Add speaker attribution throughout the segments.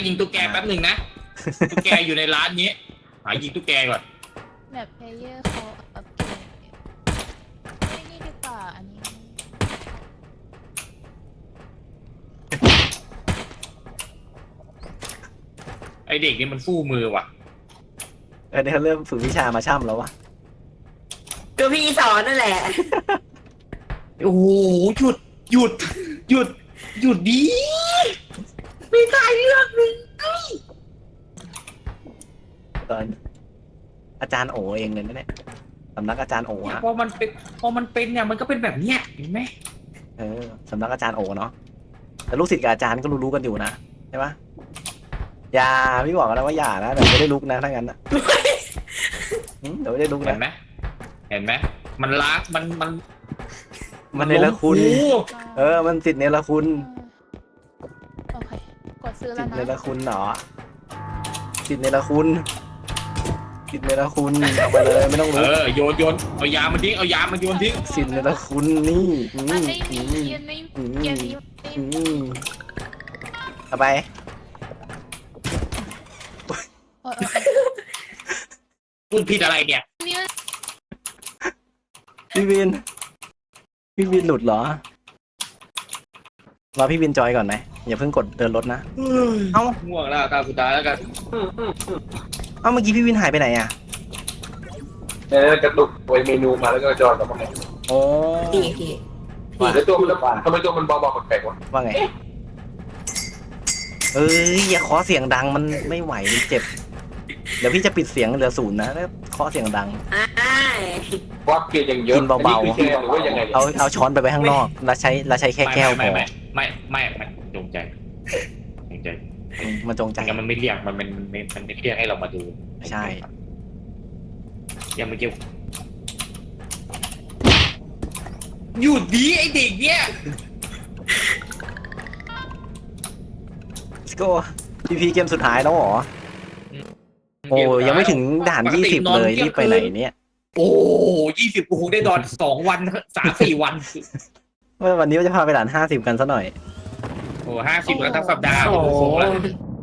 Speaker 1: ยิงตุ๊กแกแป๊บหนึ่งนะตุ๊กแกอยู่ในร้านนี้หายิงตุ๊กแกก่อน
Speaker 2: แบบเพลเยอร์เขาอัปเกรดไม่นี่ดีกว่าอันนี้
Speaker 1: ไอเด็กนี่มันฟู่มือว่ะ
Speaker 3: เนี่ยเขาเริ่มฝึกวิชามาช่ำแล้ววะ
Speaker 4: ตัวพี่สอนนั่นแหละ
Speaker 1: โอ้โหหยุดหยุดหยุดหยุดดีไม่ได้เรื่องหนึ่ง
Speaker 3: ตอนอาจารย์โอเองเลยนะเนี่ยสำนักอาจารย์โอ
Speaker 1: เนี่ย
Speaker 3: ฮะ
Speaker 1: พอมันเป็นเนี่ยมันก็เป็นแบบเนี้ยเห็นไหม
Speaker 3: สำนักอาจารย์โอเนาะแต่ลูกศิษย์กับอาจารย์ก็รู้ๆกันอยู่นะใช่ปะอย่าพี่บอกแล้วว่าอย่านะเดี๋ยวไม่ได้ลุกนะถ้างั้นนะเดี๋ยวไม่ได้ลุก
Speaker 1: เห็
Speaker 3: นะ
Speaker 1: นไหมเห็นไหมมันรัก
Speaker 3: มันเนรคุณ
Speaker 1: โอ้โห
Speaker 3: มันสิทธิ์เนรคุณ
Speaker 2: โอเคกดซื้อ
Speaker 3: สิ
Speaker 2: แล้ว
Speaker 3: ทธิ์เน
Speaker 2: นะ
Speaker 3: รคุณเหรอสิทธิ์เนรคุณสิทธิ์เนรคุณเอาไปเลยไม่ต้องลุก
Speaker 1: โยนเอายามันทิ้งเอายามันโยนทิ้ง
Speaker 3: สิทธิ์เนรคุณนี่
Speaker 2: มันไม่มียืนในเกมนี้
Speaker 3: เอาไป
Speaker 2: โอ้ย
Speaker 1: พูดผิดอะไรเนี่ย
Speaker 2: นี่
Speaker 3: พี่วินหลุดเหรอรอพี่วินจอยก่อนไหมอย่าเพิ่งกดเดินรถนะเอ้า
Speaker 1: ง่วงแล้วตาสุดท้ายแล้วกัน
Speaker 3: เมื่อกี้พี่วินหายไปไหนอ่ะ
Speaker 5: กระตุกไว้เมนูมาแล้วก็จอยกับมัน
Speaker 3: โอ้
Speaker 4: พี่พี่
Speaker 5: แล้วตัวมันทำไมตัวมันเบาๆแปลกๆวะ
Speaker 3: ว่าไงอย่าเคาะเสียงดังมันไม่ไหวมันเจ็บเดี๋ยวพี่จะปิดเสียงเหลือ0นะแล้วเคาะเสียงดัง
Speaker 5: ว่าเกลียดอย่างเยอะ
Speaker 3: กินเบาๆ
Speaker 5: หรือว่ายังไง
Speaker 3: เอาช้อนไปไว้ข้างนอกแล้วใช้แค่แก้วพอ
Speaker 1: ไม่จงใจ
Speaker 3: มันจงใจ
Speaker 1: งั้นมันไม่เรียกมันไม่เรียกให้เรามาดู
Speaker 3: ใช่
Speaker 1: ยังไม่เกี่ยวหยุดดีไอเด็กเนี่ย
Speaker 3: สโก้พีเกมสุดท้ายแล้วเหรอโอ้ยังไม่ถึงด่าน20เลยรีบไปไหนเนี่ย
Speaker 1: โอ้20กูคงได้นอน2 วัน 3-4 วัน
Speaker 3: วันนี้จะพาไปด่าน50กันซะหน่อย
Speaker 1: โอ้50แล้วทั้งสัปดาห์โอ้โหแล้ว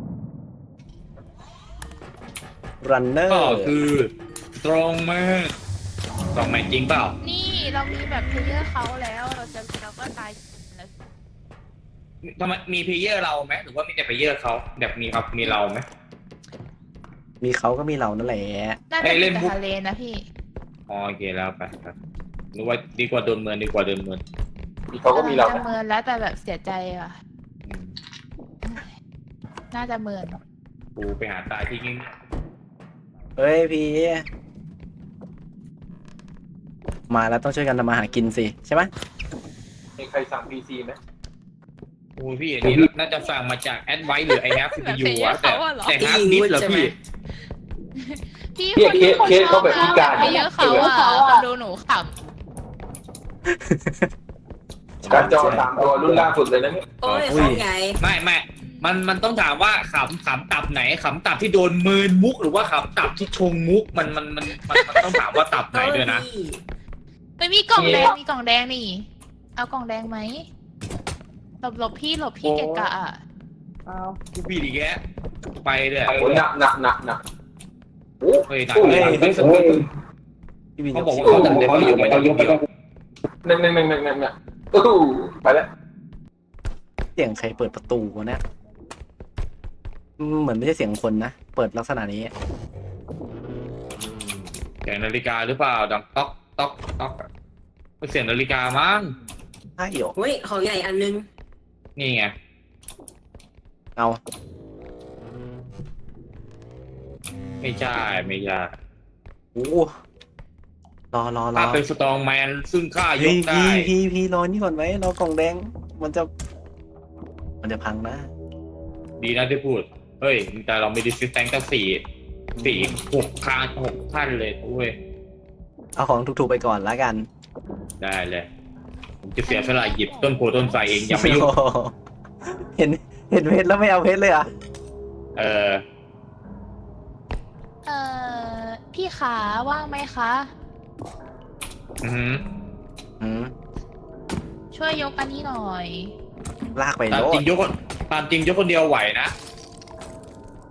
Speaker 3: รันเนอร์
Speaker 1: ก็คือตรงมากตรงไหมจริงเปล่า
Speaker 2: นี่เรามีแบบเพลเยอร์เขาแล้วเราก็ตายแล้ว
Speaker 1: ทำไมมีเพลเยอร์เราไหมหรือว่ามีแต่เพลเยอร์เขาแบบมีเราไหม
Speaker 3: มีเขาก็มีเรานั่นแหละ
Speaker 2: น่าจะเป็นทะเลนะพี่
Speaker 1: อ๋อโอเคแล้วไปครับหรือว่าดีกว่าโดนเมิน
Speaker 5: เขาก็มีเรา
Speaker 2: จะเมินแล้วแต่แบบเสียใจอ่ะ
Speaker 1: อืม
Speaker 2: น่าจะเมิน
Speaker 1: กูไปหาตายที่นี่
Speaker 3: เฮ้ยพี่มาแล้วต้องช่วยกันทำมาหากินสิใช่ไหม
Speaker 5: มีใครสั่ง PC ไหม
Speaker 1: โอ้ยพี่อันนี้น่าจะสั่งมาจากแอดไวหรือไอแฮปซีพียูอะแต่ฮาร์ดดิสก์เหรอพี่
Speaker 2: พี่
Speaker 5: เคสเขาแบบพิการ
Speaker 2: เพลเยอร์เขาอ่ะคนดูหนูข
Speaker 5: การจอ3 ตัวรุ่นล่าสุดเลยนะเนี่ย
Speaker 4: โอ้ยของใหญ่
Speaker 1: ไม่มันต้องถามว่าขำตับไหนขำตับที่โดนเมินมุกหรือว่าขำตับที่ชงมุกมันต้องถามว่าตับไหนด้วยนะ
Speaker 2: ำไม่มีกล่องแดงนี่ เอากล่องแดงไหมหลบพี่เกะกะอ่ะ
Speaker 1: อ้าวพี่ดีแกไปเลย
Speaker 5: โอ้หนักโอ้
Speaker 1: เฮ้ยหนักเลยไม่สนุก
Speaker 3: พี่วิน
Speaker 1: เขาบอกว่าเขาตัดเลยเขาอยู่ไปต้องยกไปต้อง
Speaker 5: นั่นไปแล้ว
Speaker 3: เสียงใครเปิดประตูวะเนี่ยเหมือนไม่ใช่เสียงคนนะเปิดลักษณะนี้
Speaker 1: เสียงนาฬิกาหรือเปล่าดังต๊อกเสียงนาฬิกามั้ง
Speaker 3: ใช่เหรอ
Speaker 4: โอ้ยของใหญ่อันนึง
Speaker 1: นี่ไง
Speaker 3: เอา
Speaker 1: ไม่ใช่
Speaker 3: โอ้รอ
Speaker 1: ถ้าเป็นสตรองแมนซึ่งข้ายกได้
Speaker 3: พี่รอนี่ก่อนไหมรอกล่องแดงมันจะพังนะ
Speaker 1: ดีนะที่พูด เฮ้ย แต่เรามีดิสซิสแตงตั้ง6 ขั้นเลยเว้ย
Speaker 3: เอาของถูกๆไปก่อนละกัน
Speaker 1: ได้เลย ผมจะเสียสละหยิบต้นโพต้นไทรเองอย่าไปยุ่ง
Speaker 3: โอ้โหเห็นเพชรแล้วไม่เอาเพชรเลยอ่ะ
Speaker 1: เออ
Speaker 2: พี่ขาว่างไหมคะ
Speaker 1: อือหือ
Speaker 2: ช่วยยกอันนี้หน่อย
Speaker 3: ลากไป
Speaker 1: ตาม
Speaker 3: โล
Speaker 1: จริ
Speaker 3: ด
Speaker 1: งยกคนเดียวไหวนะ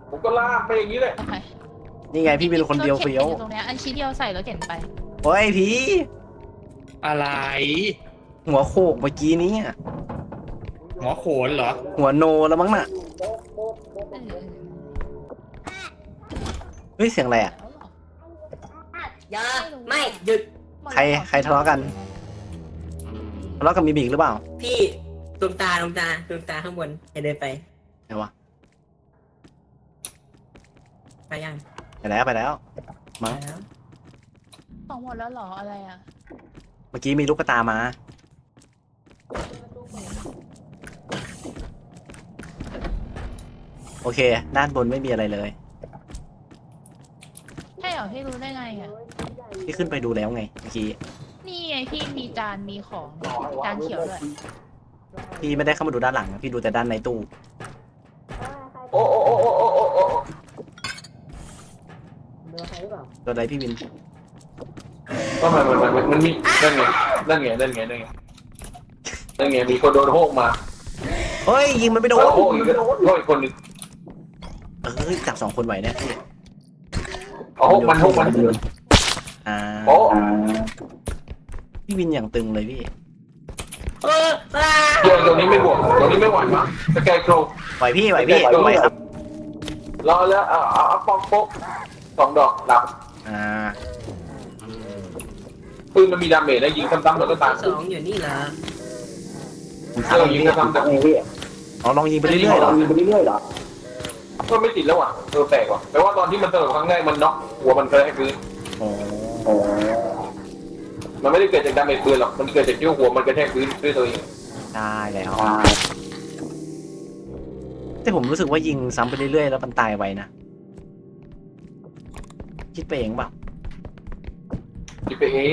Speaker 5: ผมก็ลากไปอย่างนี้เลย
Speaker 2: โอเค
Speaker 3: นี่ไงพี่เป็นคนเดียวเฟี้ยว
Speaker 2: รถข็นอยู่ตรงเนี้ยอันชิ้นเดียวใส่รถเข็นไป
Speaker 3: โอ้ยผี
Speaker 1: อะไร
Speaker 3: หัวโขกเมื่อกี้นี้อะ
Speaker 1: หมอโขนเหรอ
Speaker 3: หัวโนแล้วมั้งน่ะ เฮ้ยเสียงอะไรอ่ะ
Speaker 4: อย่าไม่หยุด
Speaker 3: ใครทะเลาะกันทะเลาะกับมีบีกหรือเปล่า
Speaker 4: พี่ดวงตาข้างบนให้เดินไป
Speaker 3: ไหนวะ
Speaker 4: ไปยัง
Speaker 3: ไปแล้วมั้ง
Speaker 4: แล้ว
Speaker 2: ของหมดแล้วเหรออะไรอ่ะ
Speaker 3: เมื่อกี้มีลูกกระตามา โอเค ด้านบนไม่มีอะไรเลย
Speaker 2: ใช่เหรอพี่รู้ได้ไงอ่ะ
Speaker 3: พี่ขึ้นไปดูแล้วไงเมื่อกี้
Speaker 2: นี่ไงพี่มีจานมีของจานเขียวด้วย
Speaker 3: พี่ไม่ได้เข้ามาดูด้านหลังนะพี่ดูแต่ด้านในตู้
Speaker 5: โอ้โอ้โอ้โอ้โอ้โอ้โอ้
Speaker 3: ตัวใดพี่วิน
Speaker 5: ก็มันมีนั่นไงมีคนโดนโฮกมา
Speaker 3: เฮ้ยยิงมันไม่โดน
Speaker 5: แล้วโฮกอีกคนนึง
Speaker 3: จับ2 คนไหวเนี่ยพี่
Speaker 5: โฮกมัน
Speaker 3: อ่า
Speaker 5: โอ้
Speaker 3: พี่วินอย่างตึงเลยพี่
Speaker 5: ตรงนี้ไม่บวกตรงนี้ไม่ไหวมั้งสแกนโคร
Speaker 3: ไหวพี่ไหวครับ
Speaker 5: รอแล้วเอาปองโป๊ก2 ดอกหลับ
Speaker 3: อ่า
Speaker 5: ปืนมันมีดาเมจได้ยิงซ้ำๆแล้วก็ตาย
Speaker 4: สองอยู่นี่เหรอ
Speaker 3: ผมถาม
Speaker 5: ยิง
Speaker 3: พี่
Speaker 5: ซ้ำๆจากนี้
Speaker 3: ลองยิงไปเรื่อยๆเหรอ
Speaker 5: ก็ไม่ติดแล้วอ่ะแปลกว่ะแปลว่าตอนที่มันเติมครั้งแรกมันน็อกหัวมันกระแทกพื้น
Speaker 3: โอ้
Speaker 5: มันไม่ได้เกิดจากดาเมจปืนหรอกมันเกิดจากที่หัวมันกระแทกพื้นด้วยตัวเอง
Speaker 3: ได้แล้วแต่ผมรู้สึกว่ายิงซ้ำไปเรื่อยๆแล้วมันตายไวนะคิดไปเองเปล่า
Speaker 5: คิดไปเอง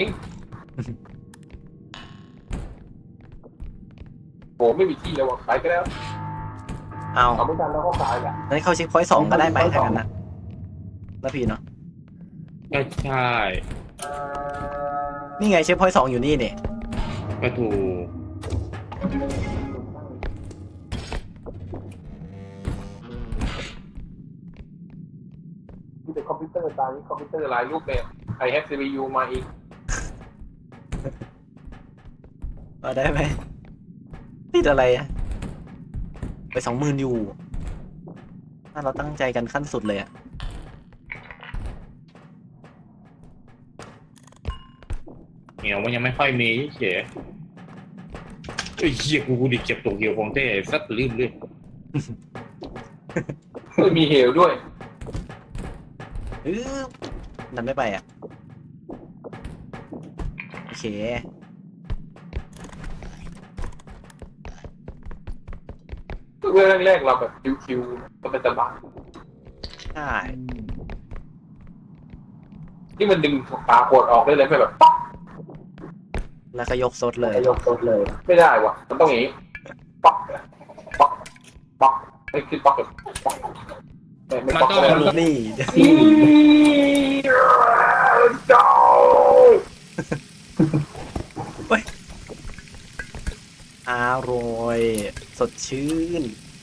Speaker 5: โหไม่มีที่แล้วว่ะไปก็แล้ว
Speaker 3: เอา
Speaker 5: เอาไม่ทันแล้วก็ตายแหละ
Speaker 3: งั้นเข้าเช็คพอยต์2ก็ได้ไปถ้างั้นนะแล้วพี่เนาะ
Speaker 1: ก็ใช่
Speaker 3: นี่ไงเช็คพอยต์2อยู่นี่เนี่ย
Speaker 1: ก็ถูก
Speaker 5: มีแต่คอมพิวเตอร์ตายคอมพิวเตอร์หลายรูปแบบไอแฮป CPU มาอีก
Speaker 3: เอาได้ไหมติดอะไรอะไป20,000อยู่ถ้าเราตั้งใจกันขั้นสุดเลยอะ
Speaker 1: เหนียวมันยังไม่ค่อยมีเฉยไอ้เหี้ยกูดิเก็บตกเหี่ยวของเต้สัตว์ลืมเลย
Speaker 5: ไม่มีเหวด้วย
Speaker 3: นั่นไม่ไปอะโอเค
Speaker 5: เรื่องแรกๆเราแบบคิวๆก็เป็นสบาย
Speaker 3: ใช่
Speaker 5: ที่มันดึงปลาขวดออกได้เลยไม่แบบป๊อก
Speaker 3: แล้วก็ยกซดเลย
Speaker 5: ไม่ได้ว่ะมันต้องอย่างนี้ป๊อกป๊อกป๊อกไม่คือป๊อกแบบป๊อกไม่ป๊อกเลย
Speaker 3: นี่
Speaker 5: เจ้า
Speaker 3: อร่อยสดชื่น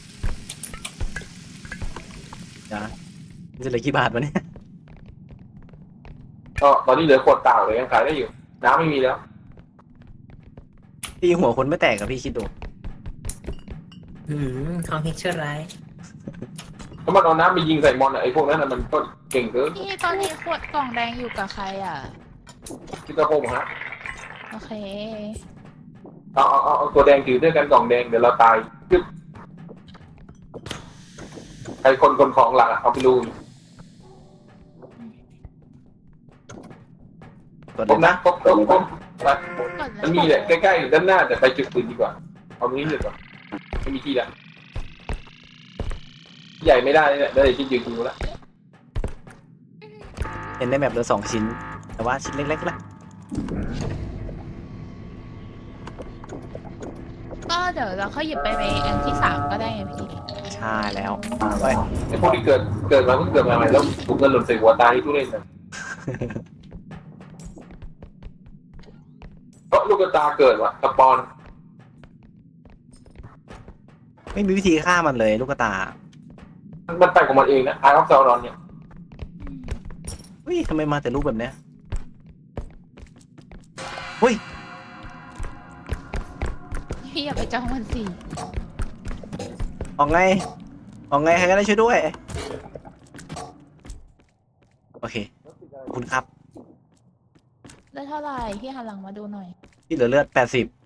Speaker 3: นะจะเหลือกี่บาทวะเนี่ย
Speaker 5: ก็ตอนนี้เหลือขวดเปล่าเลยยังขายได้อยู่น้ำไม่มีแล้ว
Speaker 3: ตีหัวคนไม่แตกกับพี่คิดดู
Speaker 4: ของเฮกเชอร์ไร
Speaker 5: ถ้ามันเอาน้ำไปยิงใส่มอนอะไอ้พวกนั้นมันก็เก่งเกิน
Speaker 2: พี่ตอนนี้ขวดกล่องแดงอยู่กับใครอ่ะ
Speaker 5: คิดว่าพวกฮะ
Speaker 2: โอเค
Speaker 5: เอาตัวแดงถือด้วยกันกล่องแดงเดี๋ยวเราตายจึ๊บใครคนของหลักอะเอาไปดู
Speaker 3: กด
Speaker 5: ครบ
Speaker 3: เลย
Speaker 5: นะ
Speaker 3: นะ
Speaker 5: ครบไป
Speaker 2: ก่อน
Speaker 5: มันมีแหละใกล้ๆอยู่ด้านหน้าแต่ไปจุดอื่นดีกว่าเอาตรงนี้ดีกว่าไม่มีที่แล้วใหญ่ไม่ได้เนี่ยได้ที่ยืนดูแล้ว
Speaker 3: เห็นในแมปเหลือ2 ชิ้น แต่ว่าชิ้นเล็กๆนะ
Speaker 2: ก็เดี๋ยวเราค่อยหยิบไปอันที่3ก็ได้ไงพี่
Speaker 3: ใช่แล้วไป
Speaker 5: ไอ้พวกที่เกิดมาเพิ่งเกิดมาใหม่แล้วถูกเงินหล่นใส่หัวตายที่ทุเรศเลยเพราะลูกตาเกิดว่ะสปอน
Speaker 3: ไม่มีวิธีฆ่ามันเลยลูกกระตา
Speaker 5: นมันไปของมันเองนะอาร์คเซลนอนเนี่ย
Speaker 3: เฮ้ยทำไมมาแต่รูปแบบเนี้ยเฮ้ย
Speaker 2: พี่อย่าไปจ้องมันสิ
Speaker 3: ออกไงใครก็ได้ช่วยด้วยโอเคขอบคุณครับ
Speaker 2: ได้เท่าไหร่พี่หันหลังมาดูหน่อย
Speaker 3: ที่เหลือเลือด80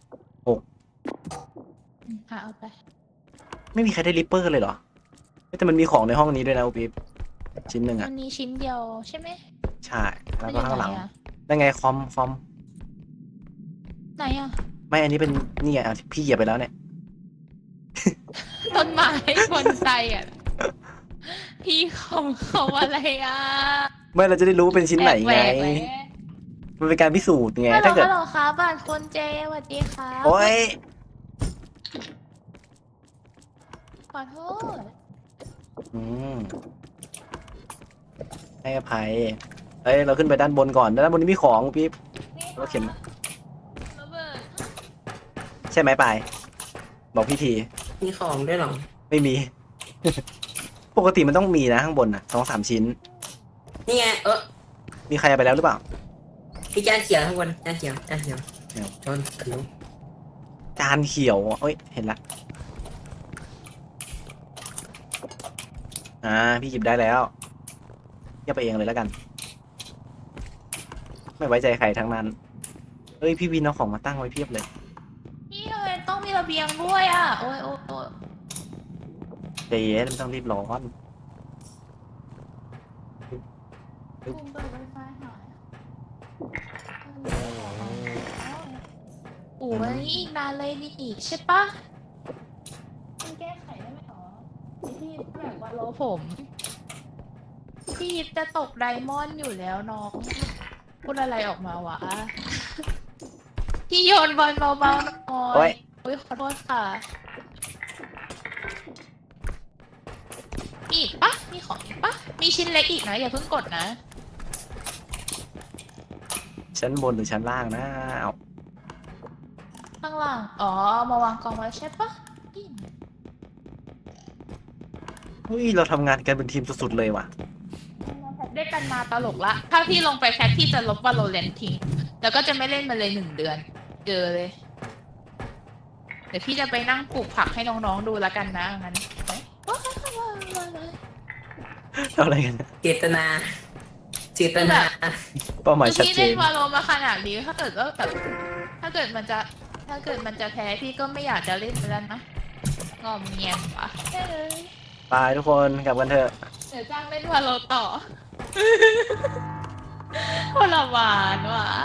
Speaker 2: เอาไป
Speaker 3: ไม่มีใครได้ริปเปอร์เลยเหรอแต่มันมีของในห้องนี้ด้วยนะอุปิ๊บชิ้นหนึ่ง
Speaker 2: มั
Speaker 3: อ่ะ
Speaker 2: นมีชิ้นเดียวใช่ไหม
Speaker 3: ใช่แล้วก็ข้างหลัง
Speaker 2: มันอยู่ไนอะ
Speaker 3: นั่นไงคอม
Speaker 2: ไหนอะ
Speaker 3: ไม่อันนี้เป็นนี่ไงอ่ะพี่เหยียบไปแล้วเนี่ย
Speaker 2: ต้นไม้บนไซอะพี่เขาอะไรอะ
Speaker 3: ไม่เราจะได้รู้ว่าเป็นชิ้นไหนไง
Speaker 2: แปลกๆเลย
Speaker 3: มันเป็นการพิสูจน์ไง
Speaker 2: ฮัลโหล
Speaker 3: ถ้าเกิด
Speaker 2: ฮัลโหลครับบ้านคนเจสวัสดีครับ
Speaker 3: โอ๊ย
Speaker 2: ขอโทษ
Speaker 3: อืมให้อภัยเฮ้ยเราขึ้นไปด้านบนก่อนด้านบนนี้มีของปิ๊บ รถเข็น
Speaker 2: ระเบิด
Speaker 3: ใช่ไหมปายบอกพี่ที
Speaker 4: มีของด้วยเหรอ
Speaker 3: ไม่มี ปกติมันต้องมีนะข้างบนนะ2-3 ชิ้น
Speaker 4: นี่ไง
Speaker 3: มีใครเอาไปแล้วหรือเปล่า
Speaker 4: พี่จานเขียวข้างบนจานเขียวชนขนม
Speaker 3: จานเขียวเอ้ยเห็นละพี่หยิบได้แล้วเก็บไปเองเลยแล้วกัน ไม่ไว้ใจใครทั้งนั้นเอ้ยพี่วินเอาของมาตั้งไว้เพียบเลย
Speaker 2: พี่ทำไมต้องมีระเบียงด้วยอะโอ้ยโอ้ย
Speaker 3: ใจเย็นไม่ต้องรีบร้อน
Speaker 2: คุณเปิดไวไฟหน่อยโอ้ยอีกนานเลยนี่อีกใช่ปะมันแก้ไขได้ไหมหรอพี่แบบว่าโลผมพี่ยิปจะตกไดมอนด์อยู่แล้วน้องพูดอะไรออกมาวะพี่โยนบอลเบาๆหน่
Speaker 3: โอ๊
Speaker 2: อย
Speaker 3: ย
Speaker 2: อุ้ยขอโทษค่ะมีอีกปะมีของอีกปะมีชิ้นเล็กอีกนะอย่าเพิ่งกดนะ
Speaker 3: ชั้นบนหรือชั้นล่างนะเอา
Speaker 2: ข้างล่างอ๋อเอามาวางกองไว้ใช่ปะ
Speaker 3: เฮ้ยเราทำงานกันเป็นทีมสุดๆเลยว่ะ
Speaker 2: ได้กันมาตลกละ ถ้าพี่ลงไปแคทพี่จะลบวาโลแรนทิ้งแล้วก็จะไม่เล่นมาเลย1 เดือน เจอเลย เดี๋ยวพี่จะไปนั่งปลูกผักให้น้องๆดูแล้วกันนะงั้น
Speaker 3: ทำอะไรกันเนี่ย
Speaker 4: เจตนา
Speaker 3: เป้าหมายชัด
Speaker 2: พี่
Speaker 3: เจ
Speaker 2: เล่
Speaker 3: น
Speaker 2: นวาโลมาขนาดนี้ถ้าเกิดว่าแบบถ้าเกิดมันจะแพ้พี่ก็ไม่อยากจะเล่นแล้วนะงอมเงียนปะใช่เลย
Speaker 3: ไปทุกคนกลับกันเถอะ
Speaker 2: เดี๋ยวจ้างเล่นวาโลต่อ ทรมานว่ะ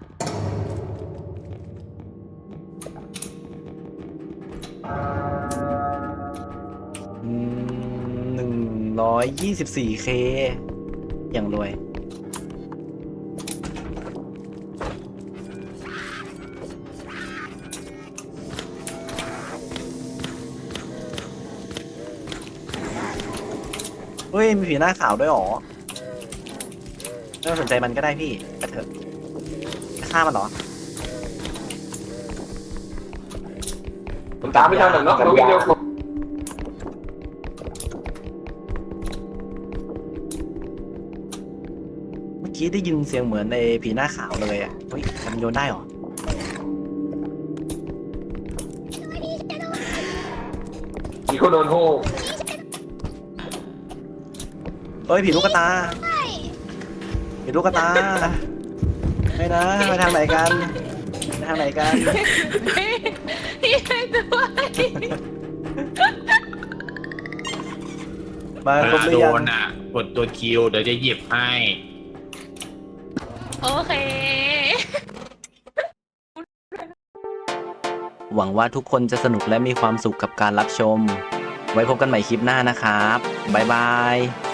Speaker 3: 124K อย่างรวยเฮ้ย มีผีหน้าขาวด้วยเหรอไม่ต้องสนใจมันก็ได้พี่ไปเถอะจะฆ่ามันเหรอ
Speaker 5: ผมตามไม่ทันหรอกเนาะเราวิ่งเร็วกว่า
Speaker 3: เมื่อกี้ได้ยินเสียงเหมือนในผีหน้าขาวเลยอ่ะ เฮ้ยมันโยนได้เหรอ
Speaker 5: มีคนโดนโฮ
Speaker 3: เฮ้ยผีลูกกระตาผีลูกกระตา ไม่นะไปทางไหนกันไปทางไหนกัน
Speaker 2: พี่ให้ด้วย
Speaker 3: มา
Speaker 1: เว
Speaker 3: ครบ
Speaker 1: ลา
Speaker 3: หรื
Speaker 1: โด
Speaker 3: อยัง
Speaker 1: นอ่ะ กดตัวคิวเดี๋ยวจะหยิบให้
Speaker 2: โอเค
Speaker 3: หวังว่าทุกคนจะสนุกและมีความสุขกับการรับชม ไว้พบกันใหม่คลิปหน้านะครับ บ๊ายบาย